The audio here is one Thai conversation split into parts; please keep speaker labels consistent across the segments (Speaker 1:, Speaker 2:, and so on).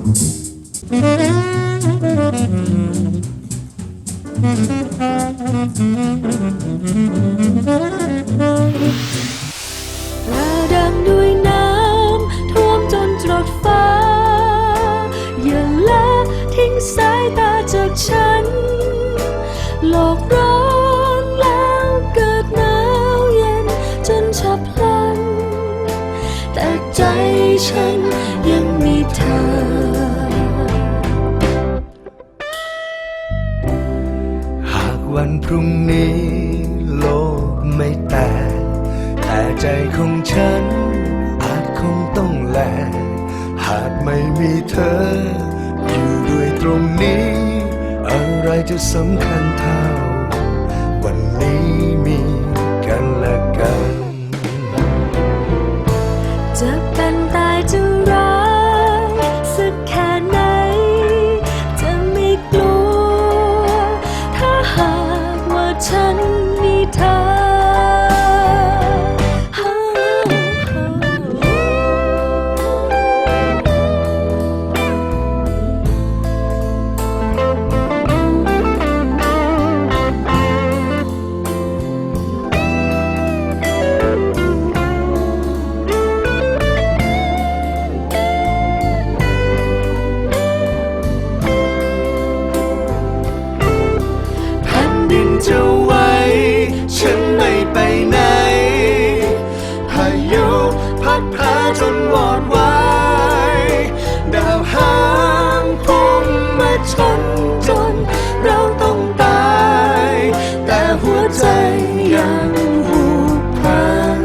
Speaker 1: ระดังด้วยน้ำท่วมจนตรดฟ้าอย่าละทิ้งสายตาจากฉันโลกร้อนแล้วเกิดหนาวเย็นจนฉับพลันแต่ใจฉันยังมีเธอ
Speaker 2: หากวันพรุ่งนี้โลกไม่แตกแต่ใจของฉันอาจคงต้องแลกหากไม่มีเธออยู่ด้วยตรงนี้อะไรจะสำคัญเท่าวันนี้มีกันและกัน
Speaker 1: จะเป็นตายจะร้ายสักแค่ไหนจะไม่กลัวถ้าหากว่าฉันมีเธอ
Speaker 2: จะไว้ฉันไม่ไปไหนพายุพัดพาจนวอดวายดาวหางพุ่งมาชนจนเราต้องตายแต่หัวใจยังผูกพัน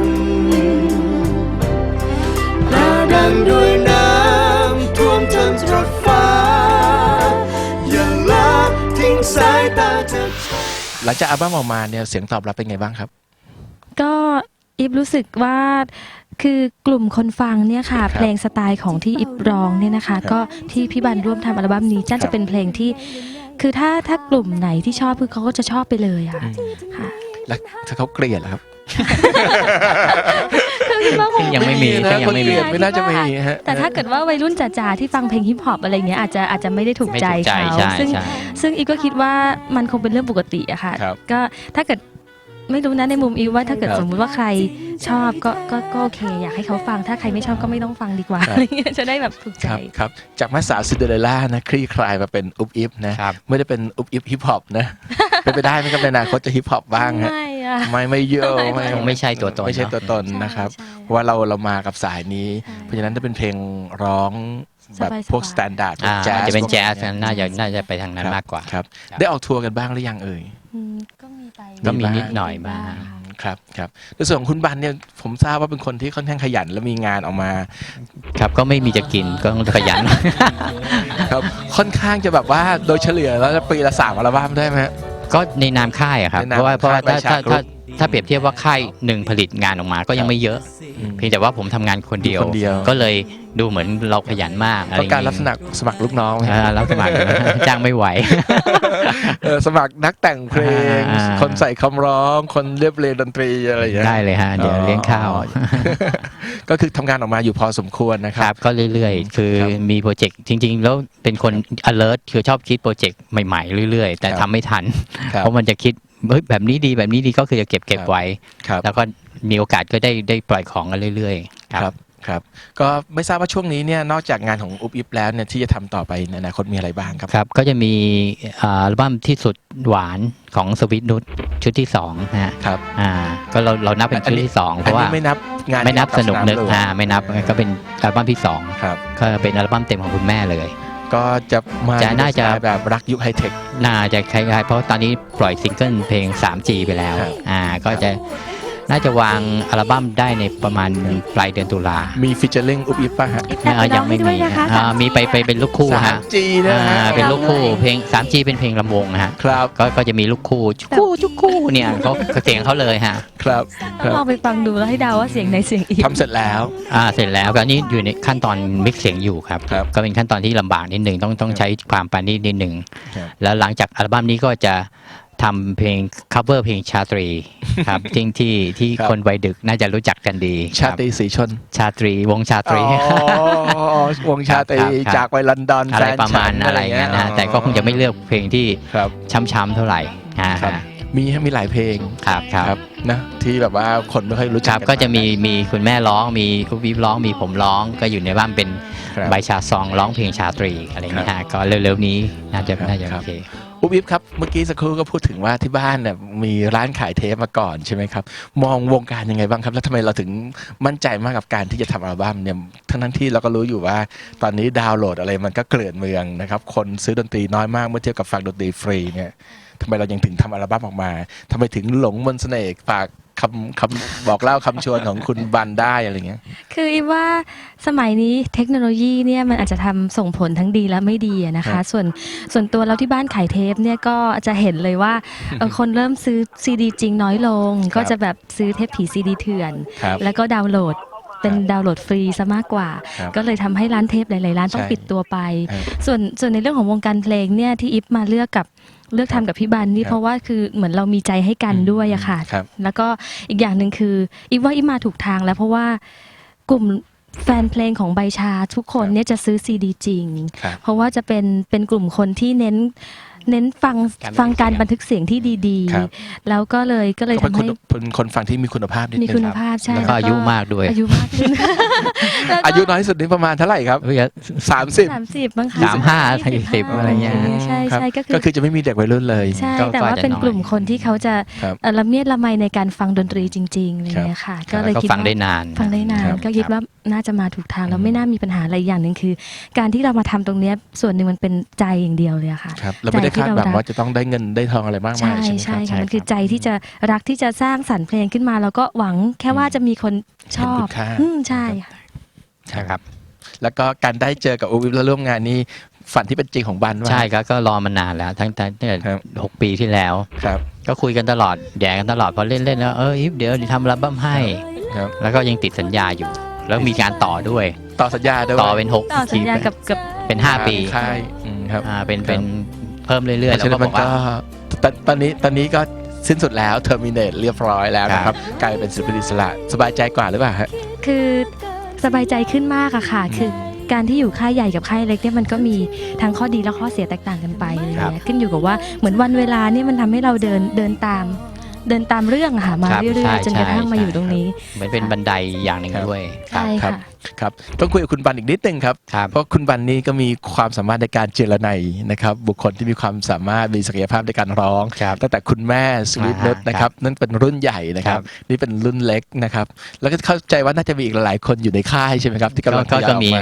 Speaker 2: หน้าดังด้วยน้ำท่วมจนตรดฟ้าอย่าละทิ้งสายตาจากหลังจากอัลบั้มออกมาเนี่ยเสียงตอบรับเป็นไงบ้างครับ
Speaker 3: ก็อิฟรู้สึกว่าคือกลุ่มคนฟังเนี่ยค่ะเพลงสไตล์ของที่อิฟร้องเนี่ยนะคะก็ที่พี่บันร่วมทำอัลบั้มนี้จะเป็นเพลงที่คือถ้ากลุ่มไหนที่ชอบคือเขาก็จะชอบไปเลยค่ะ
Speaker 2: แล้วถ้าเขาเกลียดล่ะครับ
Speaker 4: ยังไม่มี
Speaker 2: ไม่น่าจะมีฮะ
Speaker 3: แต่ถ้าเกิดว่าวัยรุ่นจ๋าๆที่ฟังเพลงฮิปฮอปอะไรเงี้ยอาจจะไม่ได้ถูกใจเขาซึ่งอีก็คิดว่ามันคงเป็นเรื่องปกติอะค่ะก็ถ้าเกิดไม่รู้นะในมุมอีว่าถ้าเกิดสมมติว่าใครชอบก็โอเคอยากให้เขาฟังถ้าใครไม่ชอบก็ไม่ต้องฟังดีกว่าอะไรเงี้ยจะได้แบบถูกใจ
Speaker 2: ครับจากแม่สาวซินเดอเรลล่านะคลี่คลายมาเป็นอุบอิบนะไม่ได้เป็นอุบอิบฮิปฮอปนะเป็นไปได้ไหมครับในอนาคตจะฮิปฮอปบ้างฮะไม่เยอะ
Speaker 4: ไม่ใช่ตัวต
Speaker 2: นนะครับเพราะว่าเรามากับสายนี้เพราะฉะนั้นถ้าเป็นเพลงร้องแบบพวกสแตนดาร์ด
Speaker 4: แจ๊สจะเป็นแจ๊สน่าจะไปทางนั้นมากกว่า
Speaker 2: ครับได้ออกทัวร์กันบ้างหรือยังเอ่ย
Speaker 4: ก็มีนิดหน่อยบ้าง
Speaker 2: ครับในส่วนของคุณบันเนี่ยผมทราบว่าเป็นคนที่ค่อนข้างขยันและมีงานออกมา
Speaker 4: ครับก็ไม่มีจะกินก็ต้องขยัน
Speaker 2: ครับค่อนข้างจะแบบว่าโดยเฉลี่ยแล้วปีละ3 อัลบั้มได้ไหม
Speaker 4: ก็ในนามค่ายครับเพราะว่าถ้าเปรียบเทียบว่าค่ายหนึ่งผลิตงานออกมาก็ยังไม่เยอะเพียงแต่ว่าผมทำงานคนเดียวก็เลยดูเหมือนเราขยันมาก
Speaker 2: อะไรการรับสมัครลูกน้อง
Speaker 4: รับสมัครจ้างไม่ไหว
Speaker 2: สมัครนักแต่งเพลงคนใส่คำร้องคนเรียบเรียงดนตรีอะไรอย่างเงี้ย
Speaker 4: ได้เลยฮะเดี๋ยวเลี้ยงข้าว
Speaker 2: ก็คือทำงานออกมาอยู่พอสมควรนะครับ
Speaker 4: ก็เรื่อยๆคือมีโปรเจกต์จริงๆแล้วเป็นคน alert คือชอบคิดโปรเจกต์ใหม่ๆเรื่อยๆแต่ทำไม่ทันเพราะมันจะคิดแบบนี้ดีก็คือจะเก็บไว้แล้วก็มีโอกาสก็ได้ปล่อยของกันเรื่อยๆ
Speaker 2: ครับก็ไม่ทราบว่าช่วงนี้เนี่ยนอกจากงานของอุบอิบแล้วเนี่ยที่จะทำต่อไปในอนาคตมีอะไรบ้าง
Speaker 4: ครับก็จะมีอัลบั้มที่สุดหวานของสวิตนุชชุดที่2
Speaker 2: นะครับ
Speaker 4: ก็เรานับเป็นชุดที่2เพราะว่า
Speaker 2: ไม่นับงาน
Speaker 4: ไม่นับสนุกนึกไม่นับก็เป็นอัลบั้มที่2
Speaker 2: ครับ
Speaker 4: ก็เป็นอัลบั้มเต็มของคุณแม่เลย
Speaker 2: ก็จะมา
Speaker 4: น่าจะ
Speaker 2: แบบรักยุคไฮเทค
Speaker 4: น่าจะคล้ายๆเพราะตอนนี้ปล่อยซิงเกิลเพลง 3G ไปแล้วก็จะน่าจะวางอัลบั้มได้ในประมาณปลายเดือนตุลา
Speaker 2: มีฟิชเชอร์ลิงอุบอิบป่ะฮะ
Speaker 3: ยังไม่มี
Speaker 4: มีไปเป็นลูกคู่ฮะ
Speaker 2: 3G นะ
Speaker 4: เป็นลูกคู่เพลง 3G เป็นเพลงลำวงฮะ
Speaker 2: ครับ
Speaker 4: ก็จะมีลูกคู่จุกคู่เนี่ยเขาเสียงเขาเลยฮะ
Speaker 2: ครับ
Speaker 3: ลองไปฟังดูแล้วให้เดาว่าเสียงในเสียงอีก
Speaker 2: ทำเสร็จแล้ว
Speaker 4: เสร็จแล้วก็นี่อยู่ในขั้นตอนมิกซ์เสียงอยู่ครับก็เป็นขั้นตอนที่ลำบากนิดหนึ่งต้องใช้ความปราณีตนิดหนึ่งแล้วหลังจากอัลบั้มนี้ก็จะทำเพลง cover เพลงชาตรีครับจริงที่
Speaker 5: ครับ
Speaker 4: คนวัยดึกน่าจะรู้จักกันดี
Speaker 5: ชาตรีสีชน
Speaker 4: ชาตรีวงชาตรี
Speaker 5: วงชาตรี
Speaker 4: ครับ
Speaker 5: จากไปลอนดอน
Speaker 4: อะไร
Speaker 5: แฟน
Speaker 4: ประมาณ
Speaker 5: ฉัน
Speaker 4: อะไรเงี้ยนะแต่ก็คงจะไม่เลือกเพลงที่
Speaker 5: ครับ
Speaker 4: ช้ำๆเท่าไหร่
Speaker 5: ครับ มีหลายเพลง
Speaker 4: ครับ
Speaker 5: นะที่แบบว่าคนไม่ค่อยรู้
Speaker 4: ค
Speaker 5: จัก
Speaker 4: รับ
Speaker 5: น
Speaker 4: ก็จะ
Speaker 5: าก
Speaker 4: มีคุณแม่ร้องมีคุณวิบร้องมีผมร้องก็อยู่ในบ้านเป็น
Speaker 5: ครับ
Speaker 4: ใบชาซองร้องเพลงชาตรีอะไรเงี้ยฮะก็เร็วๆนี้น่าจะ
Speaker 5: ครับ
Speaker 4: โอเค
Speaker 5: อุ๊บอิ๊บครับเมื่อกี้สักครู่ก็พูดถึงว่าที่บ้านเนี่ยมีร้านขายเทปมาก่อนใช่ไหมครับมองวงการยังไงบ้างครับแล้วทำไมเราถึงมั่นใจมากกับการที่จะทำอัลบั้มเนี่ยทั้งที่เราก็รู้อยู่ว่าตอนนี้ดาวน์โหลดอะไรมันก็เกลื่อนเมืองนะครับคนซื้อดนตรีน้อยมากเมื่อเทียบกับฟังดนตรีฟรีเนี่ยทำไมเรายังถึงทำอัลบั้มออกมาทำไมถึงหลงมนต์เสน่ห์ฝากคำบอกเล่าคำชวนของคุณบันได้อะไรเงี้ย
Speaker 3: คืออีว่าสมัยนี้เทคโนโลยีเนี่ยมันอาจจะทำส่งผลทั้งดีและไม่ดีอะนะ
Speaker 5: ครั
Speaker 3: คะ
Speaker 5: บ
Speaker 3: ส่วนตัวเราที่บ้านขายเทปเนี่ยก็จะเห็นเลยว่าคนเริ่มซื้อซีดีจริงน้อยลง ก็จะแบบซื้อเทปผีซีดีเถื่อน
Speaker 5: ครับ
Speaker 3: แล้วก็ดาวน์โหลดเป็นดาวน์โหลดฟรีซะมากกว่า
Speaker 5: ครับ
Speaker 3: ก็เลยทำให้ร้านเทปหลายๆร้านต้อง
Speaker 5: ใช่
Speaker 3: ปิดตัวไป
Speaker 5: ครับ
Speaker 3: ส่วนในเรื่องของวงการเพลงเนี่ยที่อิฟมาเลือกทำกับพี่บันนี่
Speaker 5: ครับ
Speaker 3: เพราะว่าคือเหมือนเรามีใจให้กันด้วยอะค่ะ
Speaker 5: ครับ
Speaker 3: แล้วก็อีกอย่างหนึ่งคืออีฟว่าอีฟมาถูกทางแล้วเพราะว่ากลุ่มแฟนเพลงของใบชาทุกคนเนี่ยจะซื้อซีดีจริง
Speaker 5: ครับ
Speaker 3: เพราะว่าจะเป็นกลุ่มคนที่เน้นฟังการบันทึกเสียงที่ดี
Speaker 5: ครับ
Speaker 3: ๆ แล้วก็เลย
Speaker 5: ก็
Speaker 3: ทำให้
Speaker 5: เป็นคนฟังที่มีคุณภาพนิด
Speaker 3: มี
Speaker 5: นึง
Speaker 3: คุณ
Speaker 5: ครับ
Speaker 3: ภาพใช่
Speaker 4: แล้วก็อายุมากด้วย
Speaker 3: อายุมากขึ้นแล้วก็
Speaker 5: อายุน้อยสุดนี่ประมาณเท่าไหร่ครับ
Speaker 4: เฮ้ย
Speaker 5: 30
Speaker 3: 30บ้างคะ
Speaker 4: 35 40อะไรเงี้ย
Speaker 3: ใช่
Speaker 5: ครับ
Speaker 3: ใช่ก็
Speaker 5: ก็
Speaker 3: คือ
Speaker 5: คือจะไม่มีเด็กวัยรุ่นเลย
Speaker 3: ใช่
Speaker 4: ก็
Speaker 3: แต่ว่า
Speaker 4: อาจจะ
Speaker 3: เป็น
Speaker 4: น้อย
Speaker 3: กลุ่มคนที่เขาจะ
Speaker 5: ครับ
Speaker 3: ละเมียดละไมในการฟังดนตรีจริงๆอะไรเงี้ยค่ะ ก็เลย
Speaker 4: ก็
Speaker 3: คิด
Speaker 4: ฟังได้
Speaker 3: ว่าน
Speaker 4: าน
Speaker 3: ฟังได้นา
Speaker 5: คน รับ
Speaker 3: ก็คิดว่าน่าจะมาถูกทางแล้วไม่น่ามีปัญหาอะไรอย่างหนึ่งคือ การที่เรามาทำตรงเนี้ยส่วนหนึ่งมันเป็นใจอย่างเดียวเลยอะค่ะ
Speaker 5: ครับแล้วไม่ได้คาดหวังว่าจะต้องได้เงินได้ทองอะไรมากมาย
Speaker 3: ใช่
Speaker 5: ใช่ไหมครับ
Speaker 3: ใช่ค่ะมันคือใจที่จะรักที่จะสร้างสรรค์เพลงขึ้นมาแล้วก็หวังแค่ว่าจะมีคนชอบ
Speaker 5: เห็นคุณค่า
Speaker 3: ใช่ค่ะ
Speaker 4: ใช่ครับ
Speaker 5: แล้วก็การได้เจอกับอูวิฟแล้วร่วมงานนี่ฝันที่เป็นจริงของบันว่า
Speaker 4: ใช่ครับก็รอมานานแล้วตั้งแต่
Speaker 5: ครับ
Speaker 4: 6 ปีที่แล้ว
Speaker 5: ครับ
Speaker 4: ก็คุยกันตลอดแย่กันตลอดพอเล่นแล้วอีฟเดี๋ยวทำอัลบั้มให้
Speaker 5: ครับ
Speaker 4: แล้วก็ยังติดสัญญาอยู่ แล้วมีการต่อด้วย
Speaker 5: ต่อสัญญาด้วย
Speaker 4: ต่อเป็น
Speaker 3: ต่อสัญญากับ
Speaker 4: เป็น5 ปี
Speaker 5: ค่ายครับ
Speaker 4: เป็นเพิ่มเรื่อยๆ
Speaker 5: เพราะ
Speaker 4: แล้ว
Speaker 5: ฉะนั้
Speaker 4: ก็
Speaker 5: น
Speaker 4: บ
Speaker 5: มั
Speaker 4: อน กว่า
Speaker 5: ก็ตอนนี้ก็สิ้นสุดแล้วเทอร์มินเนตเรียบร้อยแล้วนะครับกลายเป็นศิลปินอิสระสบายใจกว่าหรือเปล่าฮะ
Speaker 3: คือสบายใจขึ้นมากอะค่ะ คือการที่อยู่ค่ายใหญ่กับค่ายเล็กเนี่ยมันก็มีทั้งข้อดีและข้อเสียแตกต่างกันไปอะไร
Speaker 5: ครับ
Speaker 3: เงี้ยขึ้นอยู่กับว่าเหมือนวันเวลาเนี่ยมันทำให้เราเดินตามเรื่องอะค่ะมา
Speaker 4: ครับ
Speaker 3: เรื่อย
Speaker 4: ใช่
Speaker 3: ๆจนกระทั่งมาอยู่ตรงนี้
Speaker 4: เหมือนเป็นบันไดอย่างหนึ่งด้วย
Speaker 3: ใช่ค่ะ
Speaker 5: ครับต้องคุยกับคุณบันอีกนิดนึงครับ
Speaker 4: ครับ
Speaker 5: เพราะคุณบันนี่ก็มีความสามารถในการเจรไนยนะครับบุคคลที่มีความสามารถมีศักยภาพในการร้อง
Speaker 4: ครับ
Speaker 5: ตั้งแต่คุณแม่สวีทนุชนะครับนั่นเป็นรุ่นใหญ่นะครับ
Speaker 4: ครับ
Speaker 5: นี่เป็นรุ่นเล็กนะครับแล้วก็เข้าใจว่าน่าจะมีอีกหลายๆคนอยู่ในค่ายใช่ไหมครับที่กำลังทยอยออกมา